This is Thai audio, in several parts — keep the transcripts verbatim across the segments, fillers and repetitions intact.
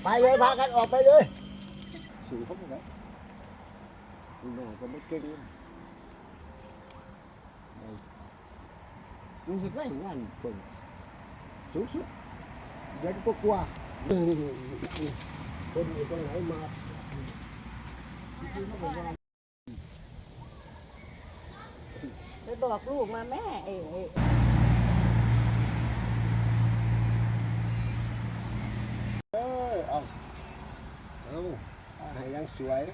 ไปเลยพากันออกไปเลยสู่เขาไปไหนแม่ก็ไม่เก่งรู้สึกไรงานคนสูงสุดเด็กก็กลัวคนอยู่ตรงไหนมาไปบอกลูกมาแม่เอ๋เออเอาเอาให้ยังสวย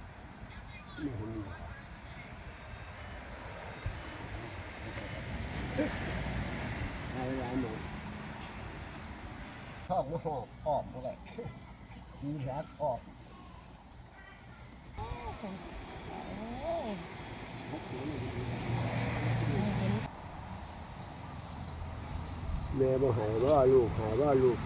เอาเวลาหมดท้องไม่หอบออกเท่าไหร่มีรักออกแม่บ่หายว่าลูกหายว่าลูก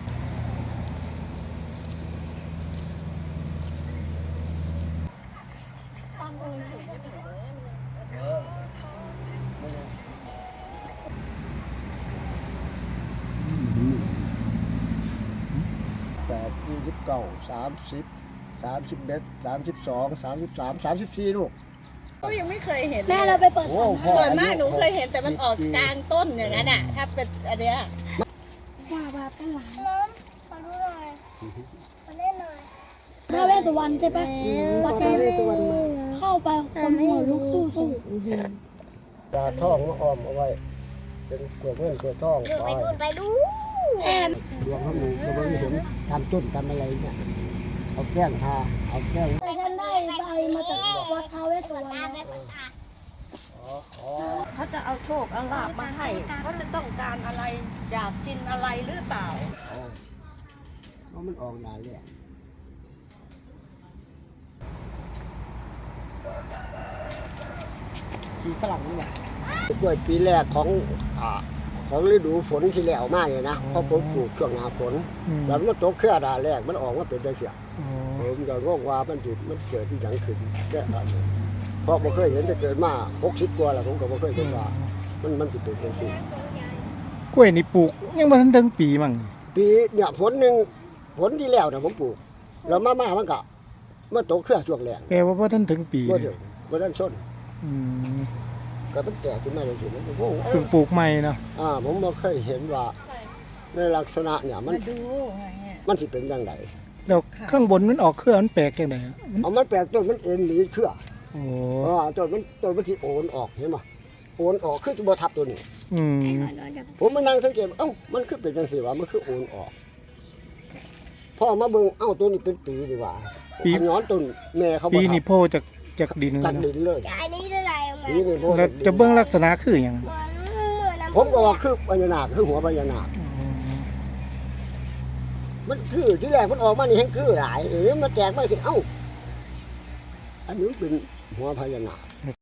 แปดยี่สิบเก้าสามสิบสามสิบเอ็ดสามสิบสองสามสิบสามสามสิบสี่ลูกก็ยังไม่เคยเห็นแม่เราไปเปิดส่วนมากหนูเคยเห็นแต่มันออกกลางต้นอย่างนั้นอ่ะถ้าเป็นอันเนี้ยว่าว่าเป็นหลานขอดูหน่อยมาเล่นหน่อยท้าวเวสสุวรรณใช่ปะวัดท้าวเวสสุวรรณเข้าไปคนหัวลุกสู้สู้ตาท่องมาอ้อมเอาไว้เป็นกวดเงินกวดท่องไปดูไปดูแอมดวงเขาหนูจะไม่เห็นทำต้นทำอะไรเนี่ยเอาแก้งทาเอาแก้งแต่ฉันได้ใบมาจากวัดท้าวเวสสุวรรณเขาจะเอาโชคเอาลาบมาให้เขาจะต้องการอะไรอยากกินอะไรหรือเปล่าเพราะมันออกนานเลยชีฝรั่งนี่แหละกล้วยปีแรกของอ่าของฤดูฝนที่แล้วมากเลยนะเพราะผมปลูกช่วงหน้าฝนแล้วมันตกเครือดาแรกมันออกมาเป็นได้เสียผมก็งงว่ามันจุดมันเกิดที่ยังขึ้นแค่อันเพราะผมเคยเห็นแต่เกิดมาหกสิบกว่าแล้วผมก็ไม่เคยเห็นว่ามันมันเป็นเป็นสิ่งกล้วยนี่ปลูกยังไม่ทันถึงปีมั้งปีเนี่ยฝนหนึ่งฝนที่แล้วเนี่ยผมปลูกแล้วมามามันก็มันตกเครือช่วงแรกแปลว่าพอท่านถึงปีบ่ถึงบ่ทันส้นก็มันแก่ขึ้นมาเลยสิมันโอ้โหเพิ่งปลูกใหม่เนาะอ่าผมบ่เคยเห็นว่าในลักษณะเนี่ยมันมันสิเป็นยังไงแล้วข้างบนมันออกเครือมันแปลกยังไงเอามันแปลกต้นมันเอ็นหนีเครือโอ้อ่าต้นมันต้นมันสิโอนออกเห็นป่ะโอนออกคือบ่ทับตัวนี้อืมผมมานั่งสังเกตเอ้ามันคือเป็นจังซี่วะมันคือโอนออกพอมาเบิ่งเอ้าตัวนี้เป็นปีดีกว่าปีย้อนต้นแม่เขาบ่ปีนี่โผล่จากจากดินจากดินเลยอันนี้อะไรปีนี่โผล่แล้วจะเบิ่งลักษณะคือหยังผมก็ว่าคือพญานาคคือหัวพญานาคมันคือที่แรกมันออกมานี่แห้งคือหลายเออมาแจกมาสิเอ้าอันนี้เป็นหัวพญานาค